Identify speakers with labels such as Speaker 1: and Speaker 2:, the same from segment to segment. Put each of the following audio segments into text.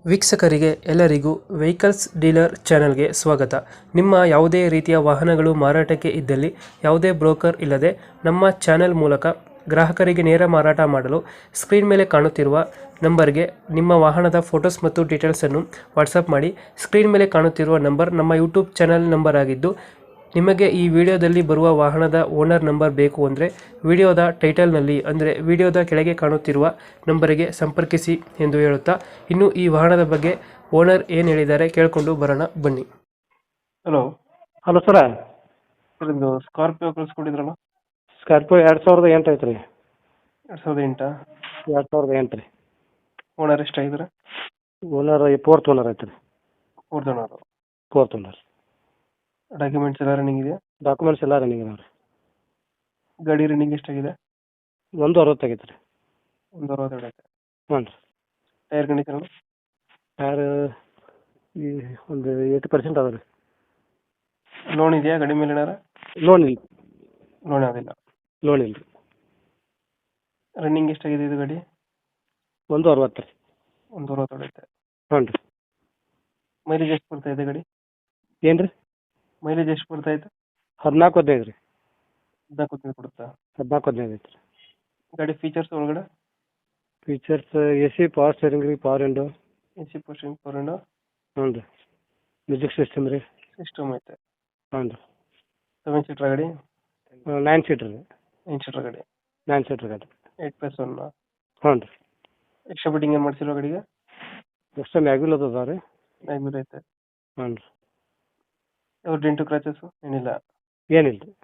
Speaker 1: ವೀಕ್ಷಕರಿಗೆ ಎಲ್ಲರಿಗೂ vehicles dealer ಚಾನೆಲ್ಗೆ ಸ್ವಾಗತ. ನಿಮ್ಮ ಯಾವುದೇ ರೀತಿಯ ವಾಹನಗಳು ಮಾರಾಟಕ್ಕೆ ಇದ್ದಲ್ಲಿ ಯಾವುದೇ ಬ್ರೋಕರ್ ಇಲ್ಲದೆ ನಮ್ಮ ಚಾನೆಲ್ ಮೂಲಕ ಗ್ರಾಹಕರಿಗೆ ನೇರ ಮಾರಾಟ ಮಾಡಲು ಸ್ಕ್ರೀನ್ ಮೇಲೆ ಕಾಣುತ್ತಿರುವ ನಂಬರ್ಗೆ ನಿಮ್ಮ ವಾಹನದ ಫೋಟೋಸ್ ಮತ್ತು ಡೀಟೇಲ್ಸನ್ನು ವಾಟ್ಸಪ್ ಮಾಡಿ. ಸ್ಕ್ರೀನ್ ಮೇಲೆ ಕಾಣುತ್ತಿರುವ ನಂಬರ್ ನಮ್ಮ ಯೂಟ್ಯೂಬ್ ಚಾನೆಲ್ ನಂಬರ್ ಆಗಿದ್ದು, ನಿಮಗೆ ಈ ವಿಡಿಯೋದಲ್ಲಿ ಬರುವ ವಾಹನದ ಓನರ್ ನಂಬರ್ ಬೇಕು ಅಂದರೆ ವಿಡಿಯೋದ ಟೈಟಲ್ನಲ್ಲಿ ಅಂದರೆ ವಿಡಿಯೋದ ಕೆಳಗೆ ಕಾಣುತ್ತಿರುವ ನಂಬರಿಗೆ ಸಂಪರ್ಕಿಸಿ ಎಂದು ಹೇಳುತ್ತಾ, ಇನ್ನು ಈ ವಾಹನದ ಬಗ್ಗೆ ಓನರ್ ಏನು ಹೇಳಿದ್ದಾರೆ ಕೇಳಿಕೊಂಡು ಬರೋಣ ಬನ್ನಿ. ಹಲೋ
Speaker 2: ಹಲೋ ಸರ,
Speaker 1: ಇದು ಸ್ಕಾರ್ಪಿಯೋ ಕಳಿಸ್ಕೊಟ್ಟಿದ್ರಲ್ಲ,
Speaker 2: ಸ್ಕಾರ್ಪಿಯೋ 2008 ಐತ್ರಿ.
Speaker 1: 2008.
Speaker 2: 2008 ರೀ.
Speaker 1: ಓನರ್ ಎಷ್ಟಾಗಿದ್ದಾರೆ?
Speaker 2: ಓನರ್ ಫೋರ್ತ್ ಓನರ್ ಐತ್ರಿ.
Speaker 1: Fourth owner.
Speaker 2: Fourth owner.
Speaker 1: Documents ಎಲ್ಲ ರನ್ನಿಂಗ್ ಇದೆಯಾ?
Speaker 2: ಡಾಕ್ಯುಮೆಂಟ್ಸ್ ಎಲ್ಲ ರನ್ನಿಂಗ್ ಇದಾವೆ ರೀ.
Speaker 1: ಗಾಡಿ ರನ್ನಿಂಗ್ ಎಷ್ಟಾಗಿದೆ?
Speaker 2: 160 ಆಗೈತೆ ರೀ.
Speaker 1: 162 ಐತೆ.
Speaker 2: ಹ್ಞೂ ರೀ.
Speaker 1: Tyre condition?
Speaker 2: ಟೈರ್ ಈ ಒಂದು 80% ಅದ ರೀ.
Speaker 1: ಲೋನ್ ಇದೆಯಾ ಗಾಡಿ ಮೇಲೆ? ಏನಾರ
Speaker 2: ಲೋನ್ ಇಲ್ಲ.
Speaker 1: ಲೋನ್ ಯಾವುದಿಲ್ಲ.
Speaker 2: ಲೋನ್ ಇಲ್ಲ ರೀ.
Speaker 1: ರನ್ನಿಂಗ್ ಎಷ್ಟಾಗಿದೆ ಇದು ಗಾಡಿ?
Speaker 2: 160 ರೀ.
Speaker 1: 162 ಐತೆ.
Speaker 2: ಹ್ಞೂ ರೀ.
Speaker 1: ಮೈಲೇಜ್ ಎಷ್ಟು ಬರ್ತಾ ಇದೆ ಗಾಡಿ?
Speaker 2: ಏನು ರೀ?
Speaker 1: ಮೈಲೇಜ್ ಎಷ್ಟು ಬರ್ತಾ ಇದೆ?
Speaker 2: 14-15 ರೀ.
Speaker 1: 14 ಕೊಡುತ್ತಾ?
Speaker 2: 14-15 ಐತೆ ರೀ.
Speaker 1: ಗಾಡಿ ಫೀಚರ್ಸ್ ಒಳಗಡೆ?
Speaker 2: ಫೀಚರ್ಸ್ AC, ಪವರ್ ಸ್ಟೇರಿಂಗ್ ರೀ, power window.
Speaker 1: AC posting, power window.
Speaker 2: ಹ್ಞೂ ರೀ. ಮ್ಯೂಸಿಕ್ ಸಿಸ್ಟಮ್ ರೀ.
Speaker 1: ಸಿಸ್ಟಮ್ ಐತೆ.
Speaker 2: ಹ್ಞೂ ರೀ.
Speaker 1: 7 ಸೀಟರ್ ಗಾಡಿ?
Speaker 2: 9 ಸೀಟ್ರ್ ರೀ.
Speaker 1: 9 ಸೀಟರ್ ಗಾಡಿ.
Speaker 2: 9 ಸೀಟ್ರ್ ಗಾಡಿ.
Speaker 1: 8+1.
Speaker 2: ಹ್ಞೂ ರೀ.
Speaker 1: ಎಕ್ಸ್ಟ್ರಾ ಬಿಟ್ಟಿಂಗ್ ಏನು ಮಾಡ್ಸಿರೋ ಗಾಡಿಗೆ?
Speaker 2: ಎಕ್ಸ್ಟ್ರಾ ಮ್ಯಾಗ್ವಿಲ್ ಅದಾವೆ ರೀ.
Speaker 1: ಮ್ಯಾಗ್ವಿಲ್ ಐತೆ.
Speaker 2: ಹ್ಞೂ ರೀ.
Speaker 1: ಯಾವ ಡೆಂಟು ಕ್ರಾಚಸ್ಸು ಏನಿಲ್ಲ?
Speaker 2: ಏನಿಲ್ಲ ರೀ.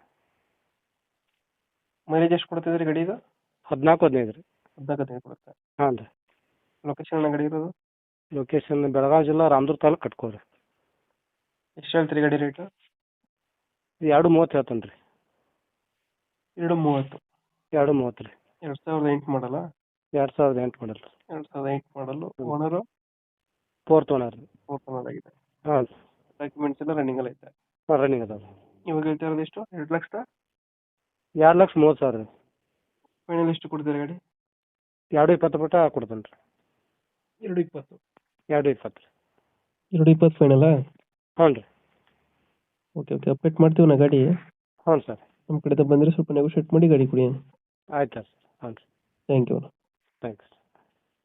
Speaker 1: ಮೈಲೇಜ್ ಎಷ್ಟು ಕೊಡ್ತಿದ್ರಿ ಗಾಡಿ ಇದು?
Speaker 2: 14-15 ರೀ.
Speaker 1: 14 ಕೊಡುತ್ತೆ.
Speaker 2: ಹಾಂ ರೀ.
Speaker 1: ಲೊಕೇಶನ್ ಗಾಡಿ ಇರೋದು?
Speaker 2: ಲೊಕೇಶನ್ ಬೆಳಗಾವಿ ಜಿಲ್ಲಾ, ರಾಮದುರ್ಗ ತಾಲೂಕು, ಕಟ್ಕೋರಿ.
Speaker 1: ಎಷ್ಟು ಹೇಳ್ತೀರಿ ಗಾಡಿ ರೇಟು?
Speaker 2: 230 ಹೇಳ್ತಾನೆ ರೀ.
Speaker 1: 230.
Speaker 2: 230 ರೀ.
Speaker 1: 2008 ಮಾಡಲ್ಲ?
Speaker 2: 2008 ಮಾಡಲ್ ರೀ.
Speaker 1: 2008 ಮಾಡಲು. ಓನರು?
Speaker 2: ಫೋರ್ತ್ ಓನರ್ ರೀ.
Speaker 1: ಫೋರ್ತ್ ಓನರ್ ಆಗಿದೆ.
Speaker 2: ಹಾಂ ರೀ.
Speaker 1: ಡಾಕ್ಯುಮೆಂಟ್ಸ್ ಎಲ್ಲ ರನ್ನಿಂಗ್ ಅಲ್ಲಿ ಐತೆ?
Speaker 2: ಹಾಂ, ರನ್ನಿಂಗ್ ಅದಾವೆ.
Speaker 1: ಇವಾಗ ಹೇಳ್ತಾ ಇರೋದು ಎಷ್ಟು? 2 ಲಕ್ಷ?
Speaker 2: 2,30,000 ರೀ.
Speaker 1: ಫೈನಲ್ ಎಷ್ಟು ಕೊಡ್ತೀರಾ ಗಾಡಿ?
Speaker 2: 220 ಬಿಟ್ಟು ಕೊಡ್ತಾನೆ ರೀ.
Speaker 1: 220.
Speaker 2: 220 ರೀ.
Speaker 1: 220 ಫೈನಲ್ಲಾ?
Speaker 2: ಹ್ಞೂ ರೀ.
Speaker 1: ಓಕೆ ಓಕೆ, ಅಪ್ಡೇಟ್ ಮಾಡ್ತೀವಿ ನಾ ಗಾಡಿ.
Speaker 2: ಹ್ಞೂ ಸರ್.
Speaker 1: ನಮ್ಮ ಕಡೆಯಿಂದ ಬಂದರೆ ಸ್ವಲ್ಪ ನೆಗೋಷಿಯೇಟ್ ಮಾಡಿ ಗಾಡಿ ಕೊಡಿ.
Speaker 2: ಆಯ್ತು ಸರ್. ಹ್ಞೂ ರೀ.
Speaker 1: Thank you.
Speaker 2: ಥ್ಯಾಂಕ್ಸ್.